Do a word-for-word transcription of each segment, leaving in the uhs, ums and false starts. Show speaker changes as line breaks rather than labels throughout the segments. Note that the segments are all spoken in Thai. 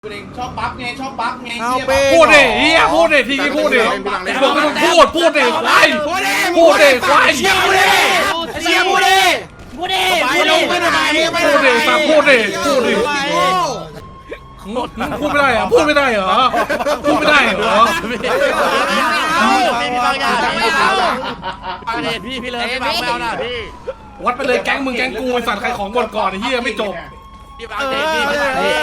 ชอบปั๊บไงชอบปั๊บไง
พูดดิเฮียพูดดิทีนี้พูดดิบอกให้มึงพูดพูดดิควายพูดดิควายเชี่ยพูดดิเชี่ยพูดดิพูดดิพูดดิพูดดิฟังพูดดิพูดดิพูดไม่ได้เหรอพูดไม่ได้เหรอพูดไม่ได้เหรอ
พี่บางอย่างไม่เอาประเด็นพี่พี่เลยพี่บางไม่เอาหน่ะพี่
วัดไปเลยแก๊งมึงแก๊งกูไอ้สัตว์ใครของหมดก่อนไอ้เฮียไม่จบ
พี่บางเด็กพี่พี่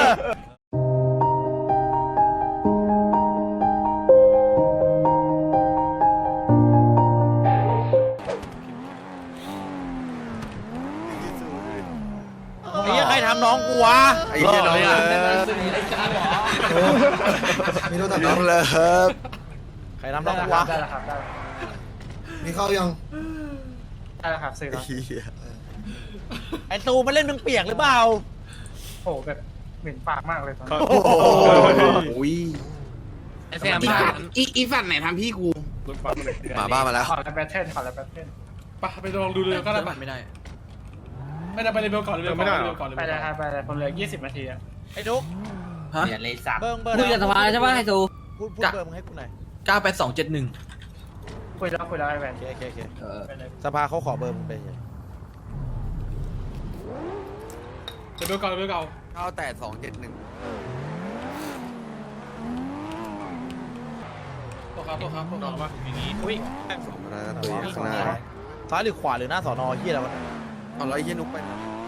ไอ้ใครทำน้องกูวะไอ้เหี้ยน้อง
มีโทรศัพท์น้องเลย
ใครทำน้องกูวะ
ได้แล้วครับได้
มีเข้ายัง
ได้แล้วครับซื้อแล้ว
ไอ้ตูมันเล่นมึงเปียกหรือเปล่า
โหแบบเหม็นปากมากเลยตอนนี้
โอ้ย
ไอ้แซมอีอีฝันไหนทำพี่กู
หมาบ้ามาแล้ว
ขอแล้วแบทเทิลขอแล้วแบทเทิล
ไปไปลองดูเลยก็ได้ปะไม่ได้ไม่ได้ไปเลยเบลก่อนเลยไม่ได้ก่อนเลย
ไปเลยครับไปเลยคนเหลือยี่สิบนาทีอะ
ไอ้ทุก
ฮะอย่าเลยสับ
เบิ้งเบิ้ง
คุยกับสภาใช่ป่ะไฮโซ
พูดพูดเบิ้งมึงให้กูหน่อย
เก้าแปดสองเจ็ดหนึ่ง
คุยแล้วคุยแล้วไอ้แวน
โอเคโอเคสภาเขาขอเบอร์มึงไปเลย
เบลก่อนเบลก่อน
เก้าแปดสองเจ็ดหนึ่ง
ตัวครับตัวครับตัวครับว่าอย่างนี้
อุ้ย
ตัวข้างหน้า
ซ้ายหรือขวาหรือหน้าสอนอเฮียอะไรวะ
เอาไรเฮียนุกไป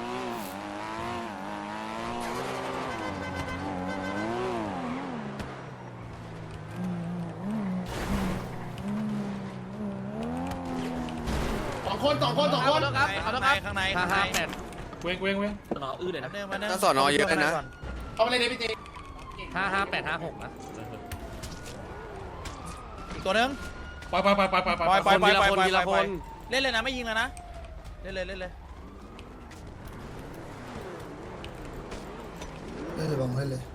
สองคนสองคนสองคน
ครับขอโทษครับข้างในข้างใน
เว้งเว้งเว้ง
สอนออื้อเลยนะ
ถ้าสอนอเยอะนะ
เอาไปเลยเดพี่เจ
ห้าห้าแปดห้าหกนะอีกตัวนึง
ไปไปไปไปไปไป
ไปไปไปไปไปเล่นเลยนะไม่ยิงแล้วนะเล่นเลยเล่นเลย
เล่นเลยบังเล่นเลย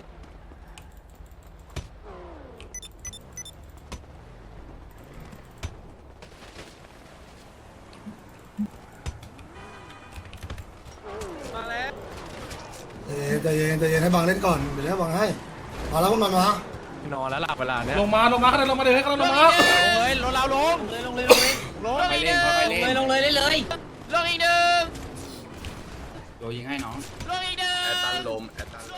มาแล้ว
ใจเย็นใจเย็นให้บังเล่นก่อนเดี๋ยวให้บังให้มาแล้วพวกมันม
านอนแล้วหลับเวลาเนี้ย
ลงมาลงมาข้างในลงมาเลยข้างในลงมา
ลงเลยลงเราลงเลยลงเลยลงเลยลง
ไปเล่นไปเล่น
ลงเลยเลยเลย
ลงอีกหนึ่ง
โดยิงให้น้อง
ลงอีกหนึ่ง
แอตตันลมแอตตัน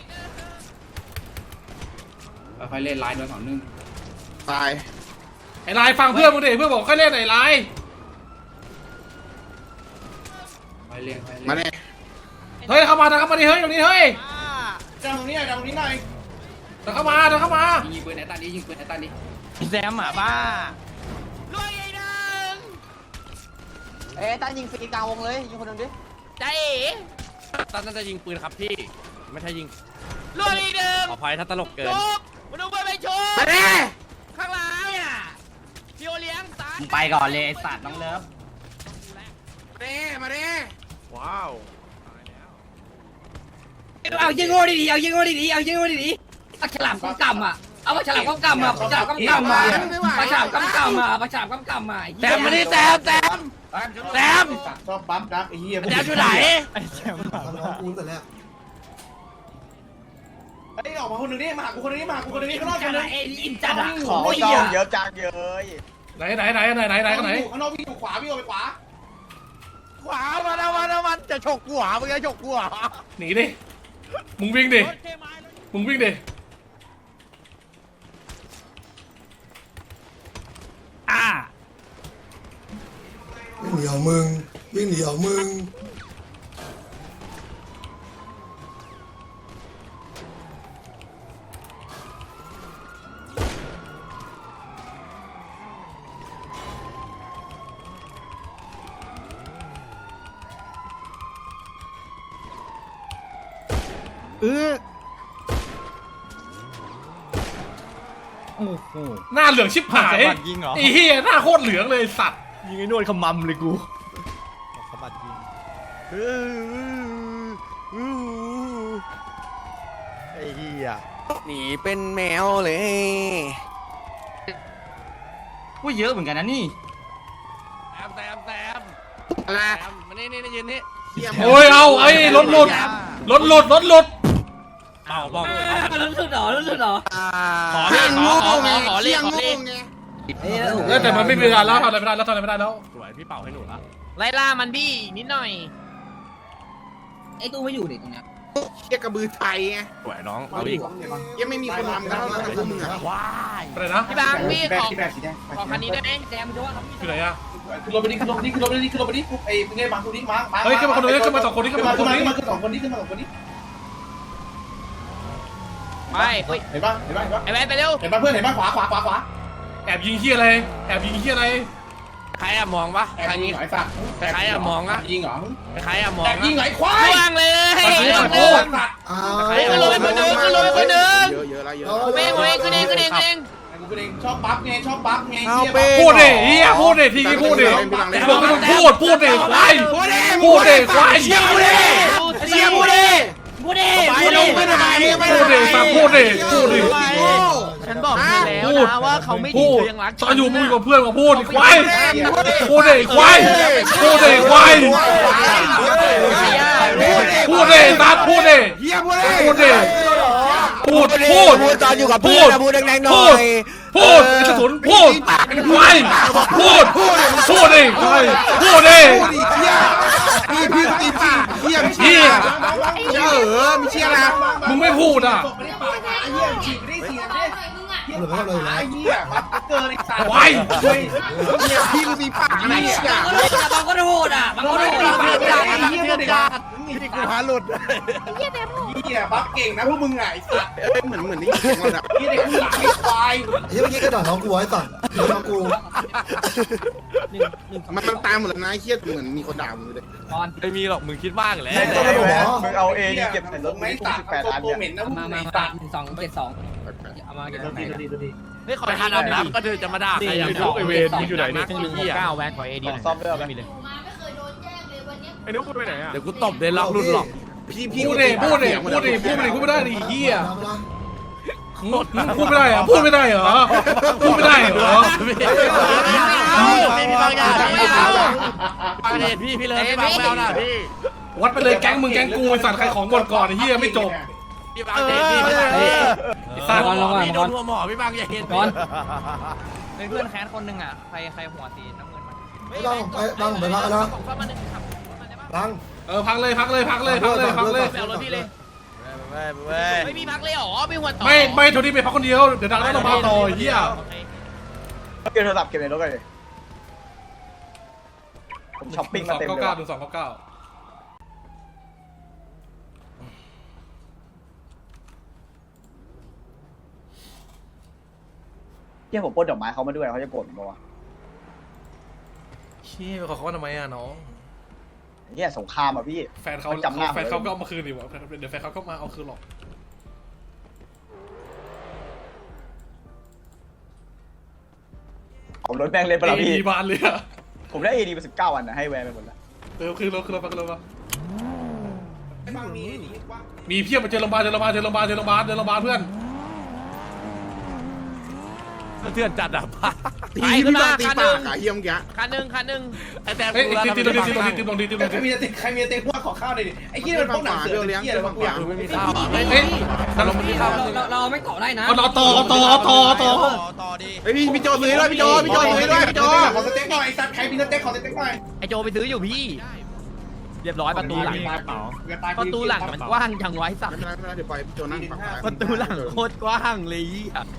ค่อยเล่นไลน์โดนสองหนึ่ง
ตาย
ไอ้ลายฟังเพื่อนมึงดิเพื่อนบอกค่อยเล่นไอ้ลาย
ไปเล่น
มาเนี่ย
เฮ้ยเข้ามาเข้ามาดิเฮ้ยตรงนี้เฮ้ย
จังตรงนี้หน่อยจังตรงนี้หน่อย
เดินเข้ามาเดินเข้ามา
ยิงปืนไอ้ตันนี้ยิงปืนไอ้ตันนี้
แซมหมาบ้าลงอีกหนึ่ง
เอ๊ะตั้งยิงฟรีกลางวงเลยยิงคนนึงดิ
ใจเอ๋ตั้งน่าจะยิงปืนครับพี่ไม่ใช่ยิงลงอีกหนึ่งขออภัยถ้าตลกเกินมาดูไปไปชม
มาเด้
ข้างหลังเนี่ยพี่โอเลี้ยงตาย
ไปก่อนเลยสัตว์น้องเลิฟ
มาเด้มาเด้
ว้าว
เอายิงโง่ดีๆเอายิงโง่ดีๆเอายิงโง่ดีๆเอาฉลามก้มกำอ่ะเอาฉลามก้มกำอ่ะฉลามก้มกำอ่ะฉลามก้มกำอ่ะฉลามก้มกำอ่ะ
แซมมาดิแซมแซมแซม
ชอบปั๊มดักไอ้เหี้ย
แซมอยู่ไหน
ทำน้องกูแต่แรก
ไอ้ออกมาคนนึงนี่มากูคนนี้มากูคนนี้ข้างนอกคนนึง
ไอ้อินจัดอ่ะ
ขอจองเยอะจังเยอะ
ไหนไหนไหนไหนไหนไหนไหน
ข้างนอกวิ่งอยู่ขวาวิ่งออกไปขวา
ขวามาแล้วมาแล้วมันจะฉกหัวมึงจะฉกหัว
หนีดิมึงวิ่งดิมึงวิ่งดิ
อ่า
วิ่งหนีเอามึงวิ่งหนีเอามึง
เออโอ้โหหน้าเหลืองชิบหายไอ้เหี้ยหน้าโคตรเหลืองเลยสัตว์
ยิงไอ้นวดขมำเลยกูขบัดยิงไอ้เหี้ย
หนีเป็นแมวเลย
ว่าเยอะเหมือนกันนะนี่
แซมแซมแซม
อะไร
มานี่นี่ยืนนี่
โอ้ยเอาไอ้รถหลุดรถหลุดรถหลุด
ไปเอาบอก
รู้สึกหรอรู้สึกหรอ
ขอเลขขอขอขอขอเลขขอเลข
เออแต่มันไม่มีเวลาแล้วทำอะไรไม่ได้แล้วทำอะไรไม่ได้แล้ว
สวยพี่เป่าให้หนูละ
ไล่ล่ามันพี่นิดหน่อย
ไอ้ตู้ไม่อยู่ดิตรงเนี้ย
เชี่ยกระบือไทยไง
สวยน้องเอาอีก
ยังไม่มีคนทำกันเท่านั้นพวกมึงอะ
ว้าย
อะไรนะ
พี่บางพี่ขอขอคันนี้ได้ไหม
แซมดูว่าครับ
คือไหนอะ
ขึ้นรถไปดิขึ้นรถไปดิขึ้นรถไปดิขึ้นรถไปดิไอ้เป็นไงบางคนนี้มามา
เฮ้ยขึ้นมาคนนึงขึ้นมาสองคนนี้ขึ้น
ขึ้น
มา
มา
สองคน
ขึ้นมา
นี้
ขึ้นมาสองคนนี้ขึ้นมาสองคนนี้
ไม่เฮ้ย
เห็นป่ะเห็นป่ะเห็นป่ะ
ไอ้แวนไปเร็ว
เห็นป่ะเพื่อนเห็นป่ะขวาขวาขวาขวา
แอบยิงเฮียอะไรแอบยิงเฮียอะไร
ใครอะมองปะ
แอบ
ใคร
ยิ
นี้
งหลายสัตว์
ใครอะมองอะ
ยิงเหรอ
ใครอะมอง
แอบยิงไหลควาย
ล่วงเลย
โอ้ย
อ้า
ใคร
ว
อะ
ขึ้นรถไปคนหนึ่งขึ้นรถไปคนหนึ่ง
เยอะเยอะแล้วเยอะ
เว้งเว้งขึ้นเองขึ้นเองขึ้นเอง
กูเป็นเองชอบปั๊บไงชอบปั๊บไง
พูดดิเฮียพูดดิทีนี้พูดดิบอกให้มึงพูดพูดดิควายพูดดิควายเชี่ยพูดดิ
เชี่ยพูดดิ
บูเด้
ไปลงไปทำไม
พูดดิสักพูดดิพูดดิ
ฉันบอกเธอแล้วนะว่าเขาไม่ดี
พูด
เธอยังรัก
ตอนอยู่มึงอยู่กับเพื่อนมาพูดดิควายพูดดิควายพูดดิควายพูดดิสักพูดดิ
เฮียพูดดิ
พูดดิพูดพูด
พูดตอนอยู่กับเพื่อนนะพูดแรงๆหน่
พู
อ
ด
ย
พูดไอ้กระสุนพูดควายพูดพูดดิควายพูดดิ
เฮียพี่พี่ตีปากเฮีย
เฮีย
เชี่ยเออมีเชี่ยนะ
มึงไม่พูดอ่ะ
ไม่ได้ปากไอ้เหี้ยฉีกไม่ได้ฉีกไม่ได้
หลุดไปแล้วเลยนะ
ไอ้เหี้ยปั๊บเกินไอ้สัตว์
ควาย
เฮียพี่มึงตีปากอะไรเชี่ย
บางก็โหดอ่ะบางก็โหด
ไอ้เหี้ยเด็ก
พี่กูหาหลุด
เหี้ยปั๊บเก่งนะพวกมึงไงไอ้สัตว์
เอ้ยเหมือนเหมือนนี่เสียงเราอะ
เหี้ยเด็กผู้หญิงไอ้ควาย
ไอ้เหี้ยเมื่อกี้กระดาษน้องกูไว้ก่อนน้องกู
มันมันตามหมดแล้วนะไอ้เฮียเหมือนมีคนด่ามึงเลย
ไม่มีหรอกมึงคิดมากแหละ
ต้องระบบหรอ
มึงเอาเองเก็บใส่รถไม่ตัดตัวเหม็นนะพวก
มา
มึง
มา
ไอ้
มา
สัตว์
หนึ่งสองเจ็ดสองเอามาเก็บตรงไหน
ไม่ขอทานอาบน้ำก็เธอจะมาด่าใครอย่างนี้ไอเวรมึงอยู่ไหนเนี่ย
หนึ่งหกเก้าแวนขอเอดี
ซ่อมด้วย
ไม่มีเลย
ไอ้นุ๊กไปไหนอะเดี๋ยวกูตบเลยล็อกรุ่นหรอก
พี่พี่
พูดดิพูดดิพูดดิพูดดิพูดไม่ได้ดิเฮียพูดไม่ได้เหรอพูดไม่ได้เหรอพูดไม่ได้เหรอ
ไม่มีบางอย่างไม่เอาบางเหตุพี่พี่เลยพี่บางไม่เอาหน่ะพี่
วัดไปเลยแก๊งมึงแก๊งกูไอสัตว์ใครของก่อนก่อนไอ้เฮียไม่จบ
พี่บางเหตุพี่ไม่ได้
ไอ้สัตว์
พี่โดนหัวหมอพี่บางอย่าเห็น
ก่อน
เป็นเพื่อนแค้นคนหนึ่งอ่ะใครใครหัวตีน้ำเงินมัน
ไม่ต้องไปบังไปพักแล้ว
ของฟ้ามาหนึ่งครับ
บัง
เออพักเลยพักเลยพักเลยพักเลยพักเลย
ไปเอารถพี่เลย
เว้ยเว้ย
ไม่มีพักเลยหรอไม่หัวต่อ
ไม่ไม่โทนี่ไปพักคนเดียวเดี๋ยวดังแล้วเรามาต่อเฮีย
เก็บโทรศัพท์เก็บในรถกันเลยผมช้อปปิ้งมาเต็ม
สอง
เลย
เก้าเก้าหนึ่งสองเก้าเก้า
เที่ยผมปล้นดอกไม้เขามาด้วยเขาจะโกรธผมปะวะ
เฮียขอเขาว่าทำไมอ่ะน้อง
เที่ยสงครามอ่ะพี่
แฟนเขา
จำหน้า
แฟนเขาก็เอามาคืนดิวะเดี๋ยวแฟนเขาก็มาเอาคืนหรอก
ผมรถแม่งเล่นปะล่ะพี่
ดีบานเลยอะ
ผมได้เอดีมาสิบเก้าวันนะให้แวร์ไปหมดแล้ว
เออคืนรถคืนรถไปคืนรถไปมีเพียบมาเจอโรงพยาบาลเจอโรงพยาบาลเจอโรงพยาบาลเจอโรงพยาบาลเจอโรงพยาบาลเพื่อน
เถื่อนจัดอ่ะ
ตีพี่บางตีปากอะเฮียมแก
คันหนึ่งคันหนึ่ง
ไอ้แต้ม
เฮ้ย
กูแล้ว
ตีตีตีตีตีตีตีตีตี
ใครมีเต็ใครมีเต็ว่าขอข้าวหน่อยดิไอ้เหี้ยมันพวกหนังเสือเป็นเหี้ยอะไรวะกูอยากรู้
ไม่มีข้าวอ่ะ
เฮ้ยเฮ้ย
เราไม่มีข้าว
เราเราไม่เกาะได้นะ
เอาต่อต่อต่อต่อต่อ
ต่อดี
เฮ้ยพี่พี่โจซื้อด้วยพี่โจพี่โจซื้อด้วยพี่โจ
ขอสเต็กหน่อยสัตว์ใครมีสเต็กขอสเต็กหน่อย
ไอโจไปซื้ออยู่พี่ เรียบร้อยประตูหลัง ประตูหลังมันกว้างจังไว้สัก
ไม่เป็นไรไม่เป็นไรเดี๋ยวปล่อยพี่โจนั่งฝั่งซ้าย
ประตูหลังโคตรกว้างเลยอ่ะ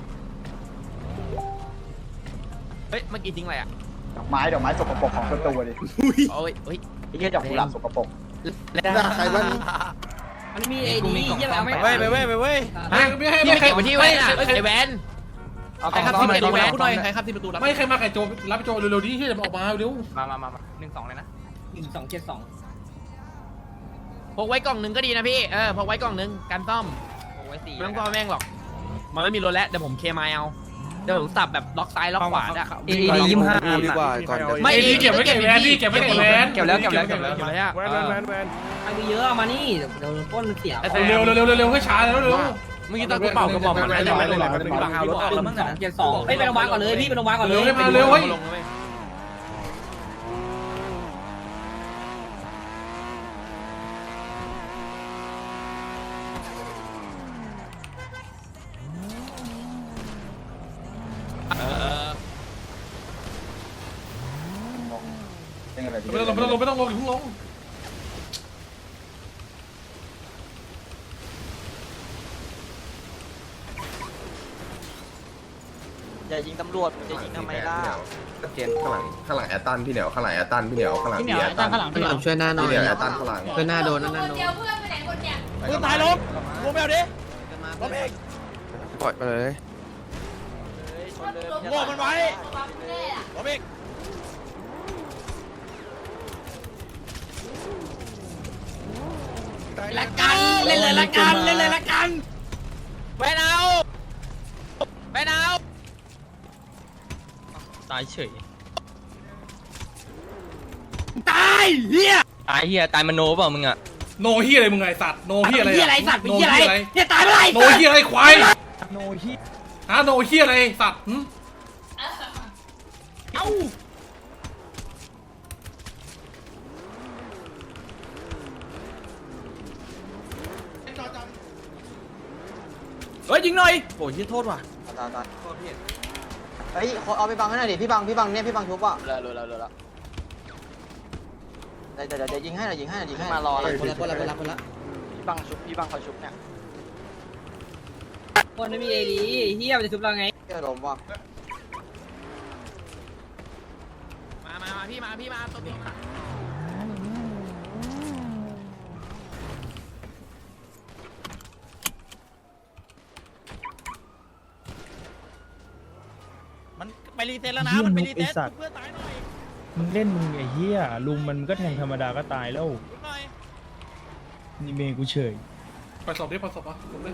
เฮ้ยเมื่อกี้ทิ้งอะไรอ่ะ
ดอกไม้ดอกไม้สกปรกของประตูดิ
โอ้ยเฮ้ย
ไอ้เหี้ยดอกกุหลาบสกปรก
ด่าใครบ้าง
มันมีเอดีเยี่ยมเอาไม่
ไปเว้ยไปเว้ยไปเว้ย
ไม่ไม่ให้
พี่
ไม่
ไป
ใคร
เก็บไว้ที่แวนอ่ะไอแวน
เอา
ใครขับที่ประตูแวนหน่อยใครขับที่ประตูรับ
ไม่ใครมาไก่โจรับโจเร็วๆดิที่จะออกมาเร็ว
มามามาหนึ่งสองเลยนะ
หนึ่งสองเจ็ดสอง
พกไว้กล่องหนึ่งก็ดีนะพี่เออพกไว้กล่องหนึ่งการซ่อมพกไว้สี่ไม่ต้องซ่อมแม่งหรอกมันไม่มีรถแล้วเดี๋ยวผมเคมายเอาเดี๋ยวผมสับแบบล็อกซ้ายล็อกขวาอ่ะ
เอดียี่ห้า
ดีกว่าก่อน
ไม่
ไอ้นี่เก็บไว้เก็บแวนนี่เก็บไว้เก็บแวน
เก็บแล้วเก็บแล้วเก็บแล้วเก็บแล้ว
แวนแวนแวนแวน
ใครมีเยอะเอามานี่เดี๋ยวป้นเสีย
เร็วเร็วเร็วเร็วให้ช้าแล้วเร็ว
เมื่อกี้ตอนกูเป่ากระบอกมันไม่ได้ไม่ได้ไม่ได้
บางเอารถออกแล้วมั้ง
สองเจ็ดสองไปไปโรงพยาบาลก่อนเลยพี่ไปโรงพยาบาลก่อนเล
เร็วย ให้มาเร็วเฮ้ย
ลงเลย
ไม่ต้องลงไม่ต้องลงไม่ต้องลงอย่าเพิ่งลง
อย่ายิงตำรวจจะยิงทำไมล่ะ
เกณฑ์ข้างหลังข้างหลังแอตตันพี่เหนียวข้างหลังแอตตันพี่เหนียวข้างหลังพี่แอตตันข้างหลัง
พี่ช่วยหน้าหน่อย
พี่เหนียวแอตตันข้างหลัง
ช่วยหน้าโดนนั่น
คนเดียวเพื่อนไปไหนคนเนี่ย
ปืนตายลงลงไปเอาดิลงเอง
ปล่อยไปเลย
โง่มันไว้ลงเอง
ละกันเล่นเลยละกันเล่นเลยละกัน
แวนเอาแวนเอา
ตายเฉย
ตายเฮีย
ตายเฮียตายมโนเปล่ามึงอะ
โนเฮียอะไรมึงไงสัตว์โนเฮียอะไร
เฮียอะไรสัตว์
โน
เฮีย
เฮีย
อะไร
อะไร
เนี่ยตายเมื่อไหร่
โนเฮียอะไรควาย
โนฮิ
ฮะโนเฮียอะไรสัตว์หึ
เอ้า
เฮ้ยยิงหน่อยโอ้ยโทษว่ะ
ตายตายเฮ้ยเอาไปบังให้หน่อยดิพี่บังพี่บังเนี่ยพี่บังชุบอ่ะเลยเลยเลยเดี๋ยวเดี๋ยวเดี๋ยวยิงให้หน่อยยิงให้หน่อยยิงให้มารอแล้วคนละคนละคนละคนละพี่บังชุบพี่บังคอยชุบเนี่ย
คนไม่มีเอดีเฮียมันจะชุบเราไง
เจ้าลมว่ะ
มามามาพี่มาพี่มาตัวตัวมา
มันไปรีเซ็ตแล้วนะมันไปรีเซ็ตเพื่อตายหน่อย
มึงเล่นมึงไอ้เหี้ยลุงมันก็แทงธรรมดาก็ตายแล้ว
ชุบหน่อย
นี่เมย์กูเฉย
ไปสอบดิไปสอบอ่ะผมเลย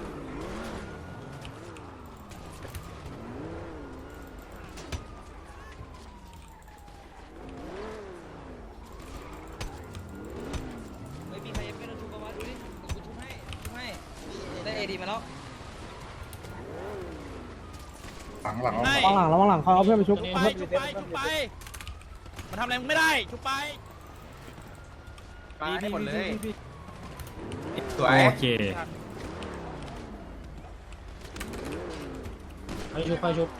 ไม่มีใครยังไม่โดนชุบมาดูดิกูชุบให้ชุบให้ได้เอดีมาแล้ว
หลังหลัง
ให้
ระวังหลังระวังหลังเขาเอาเพื่อนไปชุบ
ชุบไปชุบไปชุบไปมันทำอะไรมึงไม่ได้ชุบไป
มาให้หมดเลย
สวย
โอเคไปชุบไปชุบ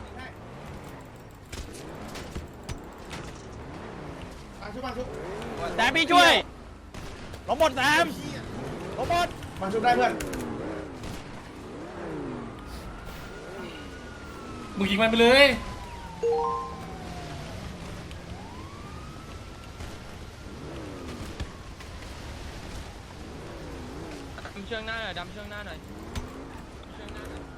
แซมพี่ช่วยลงหมดแซมลงหมด
มาชุบได้เพื่อน
มึงยิงมันไปเลย
ดำเชือกหน้าหน่อยดำเชือกหน้าหน่อยเชือกหน้าหน่อย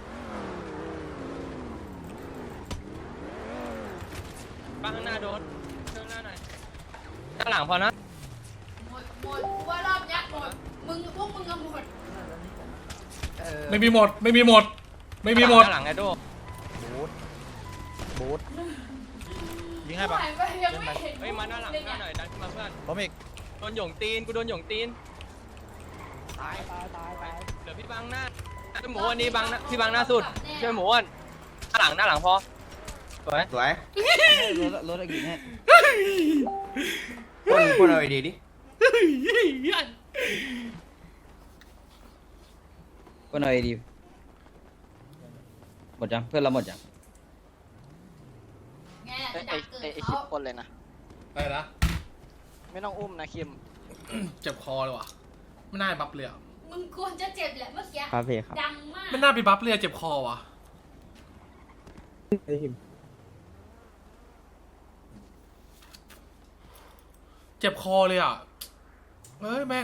บ้างข้างหน้าโดนเชือกหน้าหน่อยข้างหลังพอนะ
หมดหมดกูว่ารอบยักษ์หมดมึงพวกมึงก็หมด
ไม่มีหมดไม่มีหมดไม่มีหมด
ข้างหลังไอ้โดบูทยิงให้ปะ
หายไปยังไม่เห็น
เฮ้ยมาหน้าหลังหน้าหน่อยดันขึ้นมาเพื่อน
ผมอีก
โดนหยงตีนกูโดนหยงตีนตายตายตายตายเดี๋ยวพี่บังหน้าพี่หมูอันนี้บังหน้าพี่บังหน้าสุดช่วยหมูอ้วนหน้าหลังหน้าหลังพอสวย
สวย
รถรถอะไรกินให้
พ่นพ่นเอาไอดีดิ
ก็หน่อยดีหมดยังเพื่อนเราหมดยัง
ไง
ไอ้
ดั
ไอ้
กเกิด
ไอ้คิ
เขา
มคนเลยนะ
อะไรนะ
ไม่ต้องอุ้มนะคิม
เจ็บคอเลยว่ะไม่น่าบัฟเลยอ่ะ
มึงควรจะเจ็บแหละเมื่อกี้
ครับพี่ครับ
ดังมาก
ไม่น่าไปบัฟเลยอะเจ็บคอว่ะเจ็บคอเลยอ่ะเอ้ยแม่ง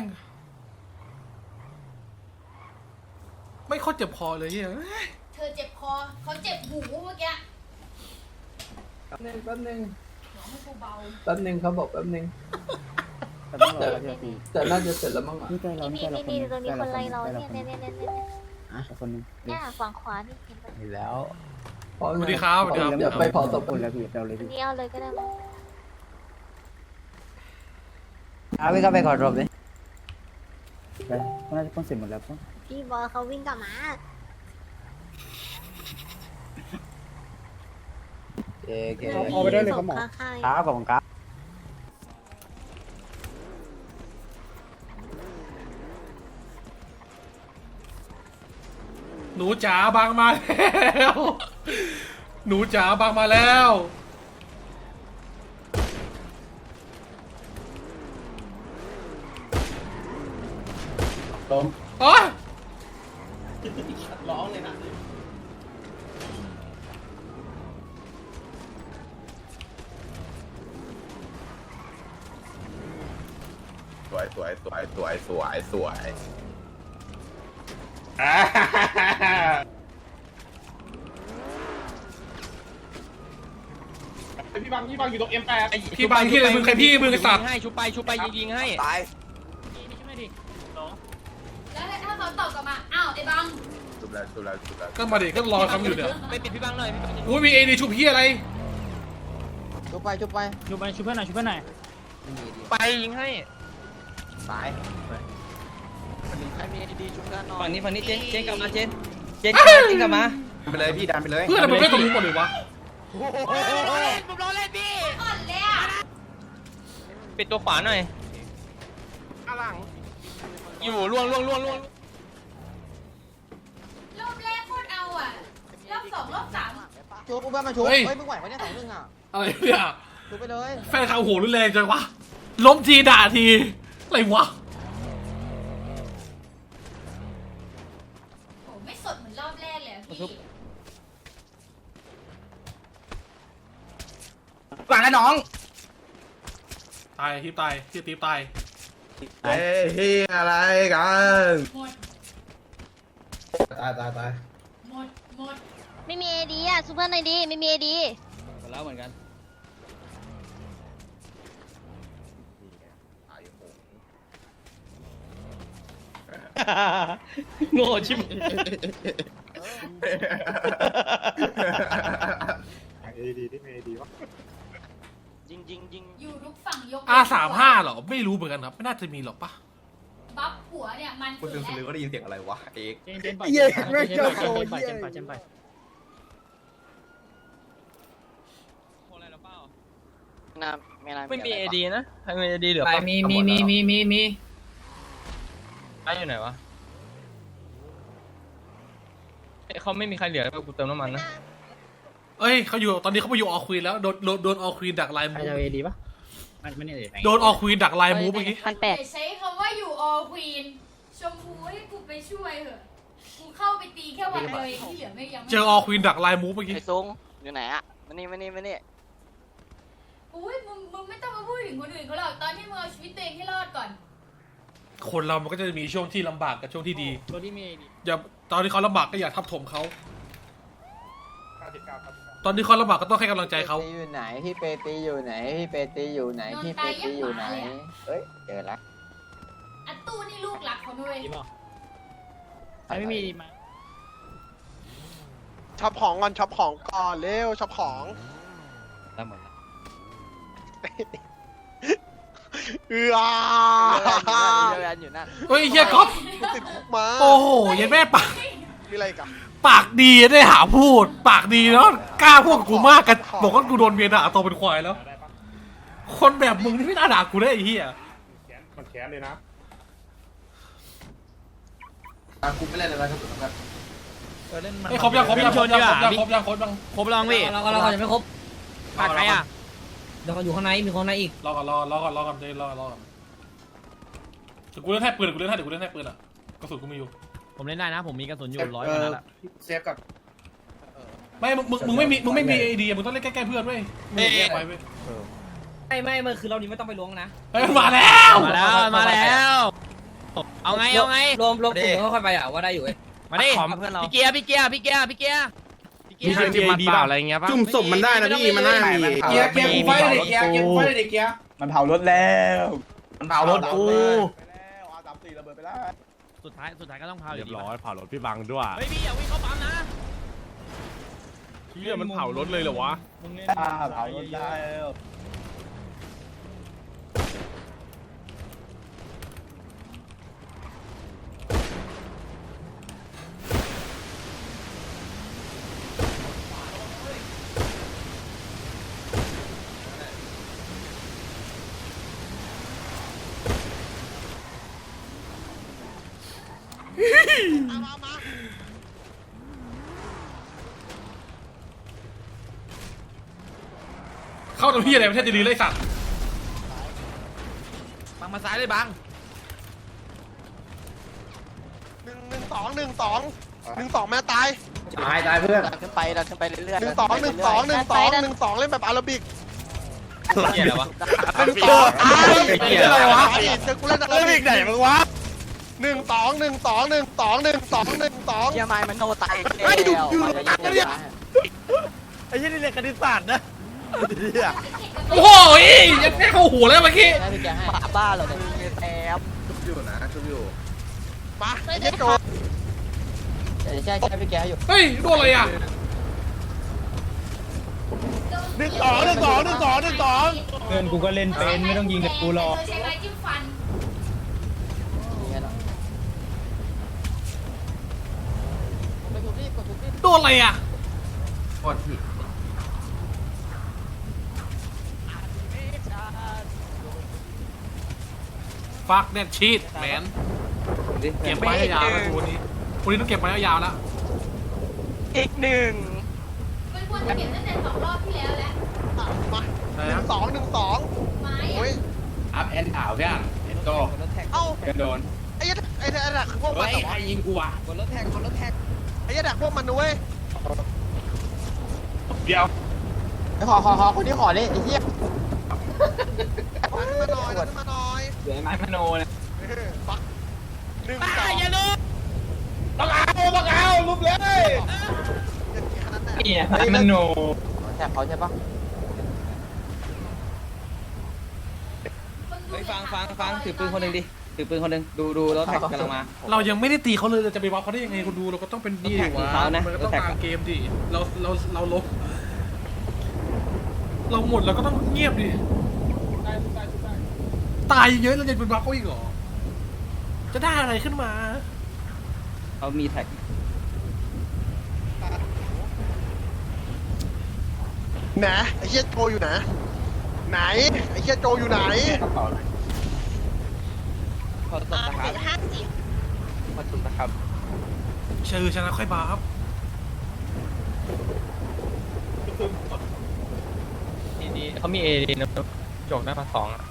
ไม่ค่อยเจ็บคอเลยเฮ้ย
เธอเจ็บคอเขาเจ็บหูเมื่อกี้
แป๊บนึงแป๊บนึง
หัวให้กูเบา
แป๊บนึงเขาบอกแป๊บนึงแต่น่าจะเสร็จแล้วมั้งอ่ะ
นี่นี่นี่ตรงนี้คนไรเราเนี่ยเนี่ยเนี่ยเนี่ยเนี่ยฝั่งขวานี่เห็นปะ
เห็นแล้ว
สวัสดีครับสวัสดีครับ
เดี๋ยวไปเผาศพคนแล้วพี่เราเลย
อันนี้เอาเลยก็ได้มั้ง
เอาไปก็ไปขอรบเลยไปน่าจะต้องเสร็จหมดแล้วป่ะ
พี่บอลเขาวิ่งกลับมา
เอ๊ะเก๋
เอาไปได้เลยครับหมอข้าง
ขาของขา
หนูจ๋าบางมาแล้ว หนูจ๋าบางมาแล้ว
ล้ม
อ๋อ
ร้องเลยนะ
สวยสวยสวยสวยสวยสวย
พี่บังพี่บังอยู่ตรง เอ็ม แปด
พี่บางที่เลยมึงใครพี่มึงไอ้สัตว์
ให้ชุบไปชุบไปยิงยิงให้
ตาย
แล้วถ้าเขาตอบกลับมาอ้าวไอ้บัง
ชุบแล้วชุบแล้วชุบแล้ว
ก็มาดิก็รอคำอยู่เนี่ย
ไปปิดพี่บังหน่อยพี่บัง
อุ้ยมีเอดีชุบพี่อะไร
ชุบไปชุบไป
ชุบไปชุบเพื่อนหน่อยชุบเพื่อนหน่อย
ไปยิงให้
ตายใครมีดีๆชุบกันหน่อย
ฝั่งนี้ฝั่งนี้เจนเจนกลับมาเจนเจนกลับมาเจนกลับมา
ไปเลยพี่ดันไปเลย
เพื่อนมันไม่ตรงนี้หมดเลยวะ
ผมรอเล่นพี่
อ่อนเลยอ่ะ
ปิดตัวขวาหน่อย
ข้างหลัง
อยู่ล่วงล่วงล่วงล่วง
รอบแรกโคตรเอาอ่ะรอบสองรอบสาม
ชุบอุ้มมาชุบเฮ้ยมึงไหวปะเนี่ยสองหนึ่งอ่ะ
อะไรเนี่ย
ชุบไปเลย
แฟนข่าวโหรุนแรงจังวะล้มทีด่าทีอะไรวะ
โหไม่สดเหมือนรอบแรกเลยอะพี่
ฟังนะน้อง
ตายที่ตายที่ตีตาย
เฮ้ยเฮียอะไรกัน
หมด
ตายตายตาย
หมดหมด
ไม่มีเอดีอ่ะซูเปอร์หน่อยดีไม่มีเอดี
หมดแล้วเหมือนกันโง่ชิบ
เอดีที่เอดีวะ
ยิงยิงยิง
อยู่ทุกฝั่งยก
อาสามห้าเหรอไม่รู้เหมือนกันครับไม่น่าจะมีหรอกปะ
บัฟหัวเนี่ยมัน
คุณ
สุ
ซึ
ด
งสลือ
แล้ว
ก็ได้ยินเสียงอะไรวะเอก
เจนเจนปล่อยเจนปล่อยเจนปล่อยเจนปล่อยเจนปล่อยเจนปล่อย
น้ำไม่น้ำ
ไม่มีเอดีนะใครมีเอดีเหลือ
ไป
ปะ
มีมีมีมีมีมี
ไอ้อยู่ไหนวะเอ้ยเขาไม่มีใครเหลือกูเติมน้ำมันนะ
เอ้ยเขาอยู่ตอนนี้เขาไปอยู่ออควีนแล้วโดนโดนโดนออควีนดักไลน์
ใคร
มูฟ
จะเอดีปะมันไม่เนี่ย
โดนออควีนดักไลน์มูฟเมื่อกี้
พันแปด
อย่าใช้คำว่าอยู่ออควีนชมพูให้กูไปช่วยเถอะกูเข้าไปตีแค่วันเดียวเองที่เหลือไม่ยังไม่
เจอออควีนดักไลน์มูฟเมื่อกี้
ไอ้ซุงอยู่ไหนอ่ะมานี่มานี่มานี่
อุ้ยมึงมึงไม่ต้องมาพูดถึงคนอื่นเขาหรอกตอนที่มึงเอาชีวิตตัวเองให้รอดก่อน
คนเรามันก็จะมีช่วงที่ลำบากกับช่วงที่ดี
ตัวที่มีเอดี
อย่าตอนที่เขาลำบากก็อย่าทับถมเขาตอนที่เขาลำบากก็ต้องให้กำลังใจเขา
ตีอยู่ไหนพี่เปตีอยู่ไหนพี่เปตีอยู่ไหนพี่เปตีอยู่ไหนเอ้ยเจอแล้ว
อัตตู้นี่ลูกหลักเขาด้วย
ดีป่ะใครไม่มีดีมา
ช็อปของก่อนช็อปของก่อนเร็วช็อปของ
ได้หมดแล้ว
เอือ
เดินอยู่นั่น
เฮ้ยเฮียก๊อฟ
ติดคุกมา
โอ้โหเยันแม่ปาก
มีอะไรกัน
ปากดีได้หาพูด ปากดีแล้วกล้าพูดกับกูมากกันบอกว่ากูโดนเมียด่าตัวเป็นควายแล้ว คนแบบมึงนี่ไม่น่าด่ากูได้ไอ้เหี้ย
มันแค้นเลยนะ
กูไม่เล่นอะไรครับ
ไอ้ครบยังครบยังครบยังครบยังครบยังครบยัง
ครบลองพี่
เราเราเราจะไม่ครบ
ขาดใครอ่ะ
เดี๋ยวเขาอยู่ข้างในมีคนในอีก
รอก่อนรอรอก่อนรอก่อนเดี๋ยวรอรอก่อนเดี๋ยวกูเล่นให้ปืนกูเล่นให้เดี๋ยวกูเล่นให้ปืนอ่ะกระสุนกูมีอยู่
ผมเล่นได้นะ ผมมีกระสุนอยู่ร้อยกว่านัดอะ
เซฟกับ
ไม่มึงมึงมึงไม่มีมึงไม่มีไอเดียมึงต้องเล่นใกล้ๆเพื่อนเว้ยมึงแยกไปเว้ย
ไม่ไม่ไม่คือเรานี้ไม่ต้องไปล้วงนะ
เฮ้ยมาแล้ว
มาแล้วมาแล้ว เอาไงเอาไง
รวมรวมกลุ่มค่อยๆไปอ่ะว่าได้อยู่เว้ย
มาดิพี่เกียร์พี่เกียร์พี่เกียร์พี่เกียร์พี่เกียร์
มีใครมีเปล่าอะไรเงี้ยป่ะจุ่มศพมันได้นะพี่มันน่ามี
เกียร์เกียร์กูไฟเลยเกียร์เกียร์กูไฟเลยเกียร์
มันเผารถแล้วมันเผารถกู
อาสามสี่ระเบิดไปแล้ว
สุดท้ายสุดท้ายก็ต้องพา
เรียบร้อยเผารถพี่บังด้วย
เฮ้ยพี่อย่าวิ่งเข้าปั๊มนะ
เฮียมันเผารถเลยเหรอวะ
เผารถแล้ว
เข้าตรงพี่อะไรประเทศดีๆเลยสัตว์
บังมาซ้ายเลยบัง
องหนึ่งสองหนึ่งสองแม่ตาย
ตายตายเพื่อน
ขึ้นไปดันขึ้นไปเรื่อยๆหนึ่งสองหนึ่งสองหนึ่งสองหนึ่งสองเล่นแบบอาราบิก
เหี้ยอะไรวะ
หนึ่งสองเหี้ยอะไรวะเจอกูเล่นอาราบิกไหนมึงวะหนึ่งสองหนึ่งสองหนึ่งสองหนึ่งสองหนึ่งสองเหี้ยไม้มันโนตายไอ้ดูอยู่ไอ้ยี่นี่เรียนคณิตศาสตร์นะ
โอ้โหยังแค่เข้าหัวแล้วเมื่อกี้
บ้าเหรอเนี่ยแอบชุบอยู่นะชุบอยู่มาเย็ดโจใช่ใช่ใช่พี่แกอยู่
เฮ้ยโดนอะไรอ่ะ
หนึ่งสองหนึ่งสองหนึ่งสองหนึ่งสอง
เพื่อนกูก็เล่นเป็นไม่ต้องยิงกับกูหรอก
ใช้ไม้จิ้มฟัน
โดนอะไรอ่ะฟักเน็ตชีตแมนเก็บไว้ยาวๆนะวันนี้วันนี้ต้องเก็บไว้ยาวๆแล้ว
อีกหนึ่ง
มันควรจะเก็บตั้งแต่สองรอบที่แล้วแล้ว
มาหนึ่งสองหนึ่งสอง
ไม้
โอ้ย
อัพแอนด์อ่าวพี่อ่ะเอ็นโต
เอ้า
โดน
ไอ้ยัดไอ้ยัดคือพวกมัน
เฮ้ยใครยิงกูอ่ะ
บนรถแท็กบนรถแท็กไอ้ยัดพวกมันนะเว้ย
เดี๋ยว
ไอ้ขอขอขอคนที่ขอเลยไอ้เหี้ยขึ้นมาหน่อยขึ้นมาหน่อย
เหลือไม้พโนเนี่ย
ปักหนึ่งสอง
ต้องเอาต้องเอาลุกเลย
นี่ไม้พโน
แท็กเขาใช่ปะ
เฮ้ยฟังฟังฟังถือปืนคนหนึ่งดิถือปืนคนหนึ่งดูดูรถแท็กกำลังมา
เรายังไม่ได้ตีเขาเลยเราจะไปวัดเขาได้ยังไงคุณดูเราก็ต้องเป็นดีดิวะ
เขานะ
มันก็ต้องตามเกมดิเราเราเราลบเราหมดเราก็ต้องเงียบดิตายเยอะเราจะเป็นวัดเขาอีกเหรอจะได้อะไรขึ้นมา
เขามีแท็ก
ไหนไอ้เหี้ยโจอยู่ไหนไหนไอ้เหี้ยโจอยู่ไหน
ขอตบนะครับขอตบนะครับ
เชื่อชนะค่อยบาฟ
ดีดีเขามีเอดีนะจกหน้าพันสองอ่ะ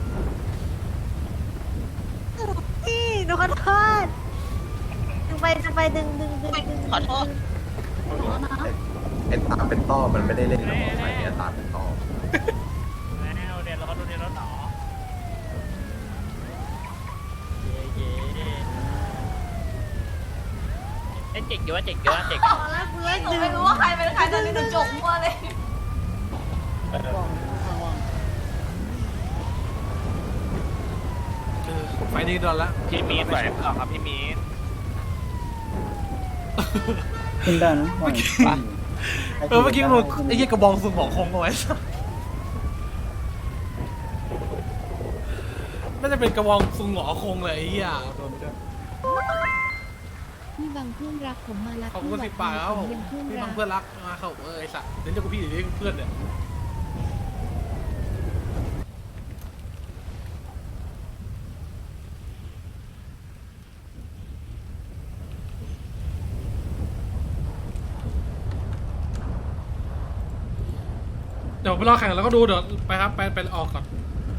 พี่หนูขอโทษดึงไปดึงไปดึงดึงดึงดึงขอโทษ
ไอ้ตาเป็นต้อมันไม่ได้เล่นกับใครไอ้ตาเป็นต้อ
แล้วเดี๋ยวรอดูเดี๋ยวรอต่อเอ้เจ๋งเยอะเจ๋งเยอะเจ๋ง
ตอนแรกกูเล่นหนูไม่รู้ว่าใครเป็นใครตอนนี้หนูจกมั่วเลย
เออไฟนี้โดนละ
พี่มีนไหวหรอครับพี่มีน
ขึ้นได้นะ
เออเมื่อกี้กูไอ้เหี้ยกระบองสุ่มหมอคงเอาไว้น่าจะเป็นกระบองสุ่มหมอคงเลยไอ้เหี้ยโดนไปด้วย
พี่บางเพื่อนรักผมมารัก
ขอบคุณสิบปากครับผมพี่บังเพื่อนรักมาเขาเออไอ้สัตว์เดี๋ยวจะกูพี่เดี๋ยวนี้เพื่อนเนี่ยเดี๋ยวไปรอแข่งแล้วก็ดูเดี๋ยวไปครับไปไปออกก่อน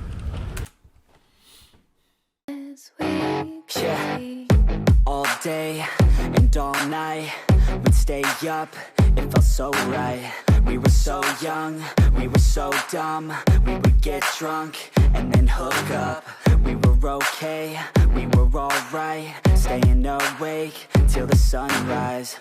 Yeah. All day and all night, we'd stay up, it felt so right. We were so young, we were so dumb. We would get drunk and then hook up. We were okay, we were alright. Staying awake till the sunrise.